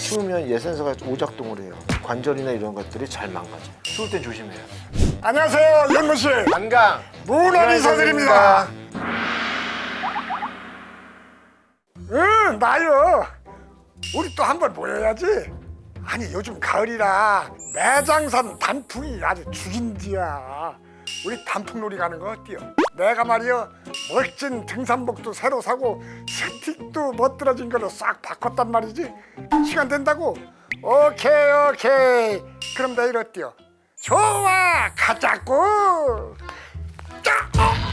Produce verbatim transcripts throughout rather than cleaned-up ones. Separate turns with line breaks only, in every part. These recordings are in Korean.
추우면 얘 센서가 오작동을 해요. 관절이나 이런 것들이 잘 망가져. 추울 땐 조심해요.
안녕하세요, 연무 씨.
안강
문화리 서드립니다. 응, 나요. 우리 또 한번 모여야지. 아니, 요즘 가을이라 매장산 단풍이 아주 죽인지야. 우리 단풍놀이 가는 거 어때요? 내가 말이요, 멋진 등산복도 새로 사고 스틱도 멋들어진 걸로 싹 바꿨단 말이지. 시간 된다고? 오케이 오케이. 그럼 내일 어때요? 좋아, 가자고. 자,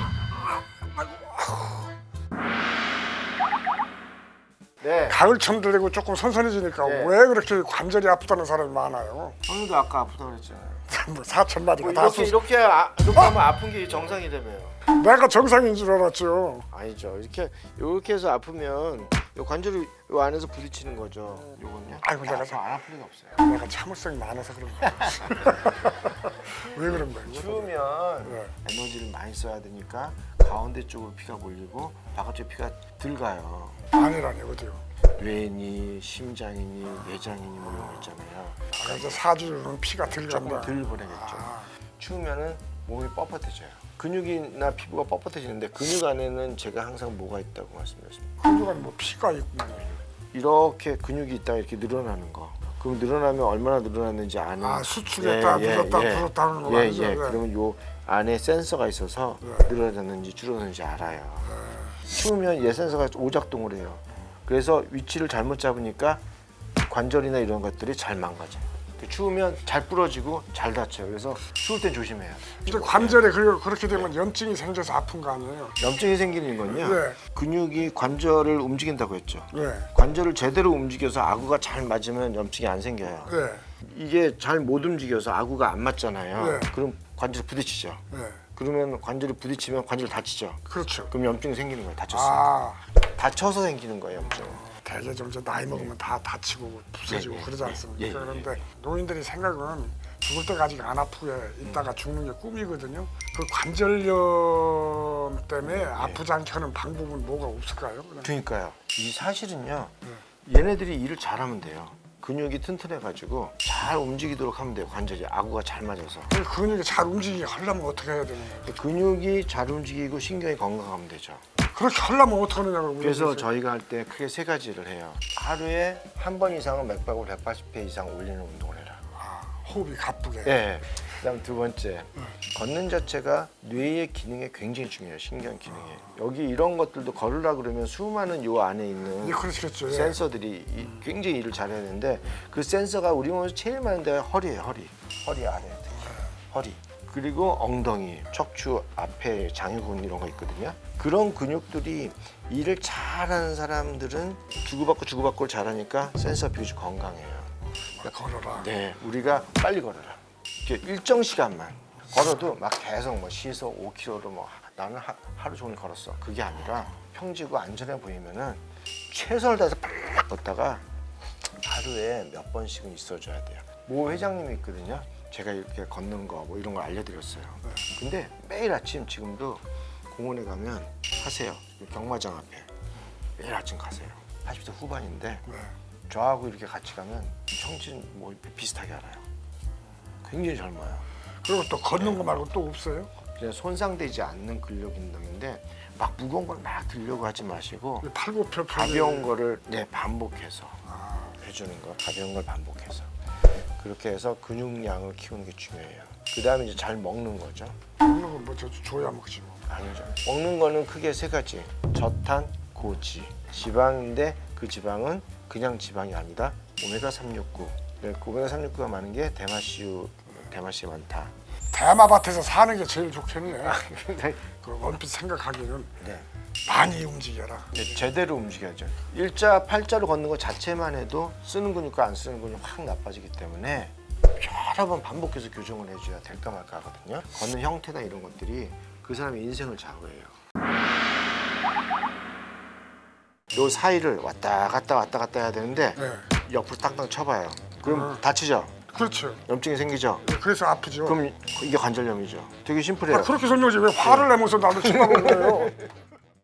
네.
가을처럼 되고 조금 선선해지니까
네.
왜 그렇게 관절이 아프다는 사람이 많아요?
형님도 아까 아프다고 그랬잖아요.
뭐 사천 마디가
뭐
다
이렇게
수...
이렇게 아, 이렇게 하면 아픈 게 정상이라며요.
내가 정상인 줄 알았죠.
아니죠. 이렇게 이렇게 해서 아프면 요 관절이 요 안에서 부딪히는 거죠. 요건요.
아이고, 내가
알아서 안 아플 리가 없어요.
내가 참을성이 많아서 그런 거야. 왜 그런 거야?
추우면
네.
에너지를 많이 써야 되니까 가운데 쪽으로 피가 몰리고 바깥쪽 피가 덜 가요.
아니라니 어디요?
뇌니, 심장이니, 내장이니 뭐 이런 거 있잖아요.
아, 이제 사주는 피가
조금
들어간다.
덜 보내겠죠.
아.
추우면은 몸이 뻣뻣해져요. 근육이나 피부가 뻣뻣해지는데 근육 안에는 제가 항상 뭐가 있다고 말씀드렸습니다.
근육은 뭐 피가 있고
이렇게 근육이 있다가 이렇게 늘어나는 거. 그럼 늘어나면 얼마나 늘어났는지 아는.
아, 수축했다, 불었다, 불었다는 거
예,
아니죠?
예.
네.
그러면 요 안에 센서가 있어서
네.
늘어났는지 줄어드는지 알아요. 추우면 얘 센서가 오작동을 해요. 그래서 위치를 잘못 잡으니까 관절이나 이런 것들이 잘 망가져요. 추우면 잘 부러지고 잘 다쳐요. 그래서 추울 땐 조심해야 돼요.
근데 관절에 그- 그렇게 되면 염증이 생겨서 아픈 거 아니에요?
염증이 생기는 건요.
네.
근육이 관절을 움직인다고 했죠.
네.
관절을 제대로 움직여서 아구가 잘 맞으면 염증이 안 생겨요.
네.
이게 잘 못 움직여서 아구가 안 맞잖아요.
네.
그럼 관절이 부딪히죠.
네.
그러면 관절이 부딪히면 관절 다치죠.
그렇죠.
그럼 염증이 생기는 거예요. 다쳤어요.
아,
다쳐서 생기는 거예요, 염증.
대개 좀 이제 나이 먹으면 다 다치고 부서지고
예, 예,
그러지 않습니까?
예, 예,
그런데 노인들이 생각은 죽을 때까지 안 아프게 있다가 죽는 게 꿈이거든요. 그 관절염 때문에 아프지 않게 하는 방법은 뭐가 없을까요? 그냥
그러니까요. 이 사실은요.
네.
얘네들이 일을 잘하면 돼요. 근육이 튼튼해가지고 잘 움직이도록 하면 돼요. 관절이 아구가 잘 맞아서.
그 근육이 잘 움직이게 하려면 어떻게 해야 되는 거예요?
근육이 잘 움직이고 신경이 건강하면 되죠.
그렇게 하려면 어떻게 하느냐고.
그래서
물어보세요.
저희가 할 때 크게 세 가지를 해요. 하루에 한 번 이상은 맥박을 백팔십 회 이상 올리는 운동을 해라.
아, 호흡이 가쁘게.
예. 그다음 두 번째, 걷는 자체가 뇌의 기능에 굉장히 중요해요. 신경 기능에. 여기 이런 것들도 걸으라 그러면 수많은 요 안에 있는
예, 그렇겠죠. 예.
센서들이 이- 굉장히 일을 잘해야 되는데 그 센서가 우리 몸에서 제일 많은 데가 허리예요. 허리. 허리 아래. 허리. 그리고 엉덩이, 척추 앞에 장유근 이런 거 있거든요. 그런 근육들이 일을 잘하는 사람들은 주고받고 주고받고를 잘하니까 센서 비율이 건강해요.
걸어라.
네, 우리가 빨리 걸어라. 이렇게 일정 시간만 걸어도 막 계속 뭐 시속 오 킬로미터로 뭐 나는 하, 하루 종일 걸었어. 그게 아니라 평지고 안전해 보이면은 최선을 다해서 팍 걷다가 하루에 몇 번씩은 있어줘야 돼요. 모 회장님이 있거든요. 제가 이렇게 걷는 거 뭐 이런 걸 알려드렸어요. 근데 매일 아침 지금도 공원에 가면 하세요. 경마장 앞에 매일 아침 가세요. 팔십 대 후반인데
네.
저하고 이렇게 같이 가면 형진 뭐 비슷하게 알아요. 굉장히 젊어요.
그리고 또 걷는 거 말고 또 없어요?
그냥 손상되지 않는 근력 운동인데 막 무거운 걸 막 들려고 하지 마시고
팔굽혀
가벼운 거를 네 반복해서 해주는 거, 가벼운 걸 반복해서 그렇게 해서 근육량을 키우는 게 중요해요. 그 다음에 이제 잘 먹는 거죠.
먹는 건 뭐 저 줘야 먹지 뭐.
아니죠. 먹는 거는 크게 세 가지. 저탄, 고지, 지방인데 그 지방은 그냥 지방이 아니다. 오메가 삼백육십구. 네, 그 오메가 삼백육구가 많은 게 대마씨유, 대마씨가 많다.
대마밭에서 사는 게 제일 좋겠네.
근데
그 원핏 생각하기는
네.
많이 움직여라.
네, 제대로 움직여야죠. 일자, 팔자로 걷는 것 자체만 해도 쓰는 근육과 안 쓰는 근육이 확 나빠지기 때문에 여러 번 반복해서 교정을 해줘야 될까 말까 하거든요. 걷는 형태나 이런 것들이 그 사람의 인생을 좌우해요. 요 사이를 왔다 갔다 왔다 갔다 해야 되는데
네.
옆으로 땅땅 쳐봐요. 그럼
어.
다치죠?
그렇죠.
염증이 생기죠?
그래서 아프죠.
그럼 이게 관절염이죠. 되게 심플해요.
아, 그렇게 설명하지 왜 화를 내면서 나를 쳐다보는 거예요?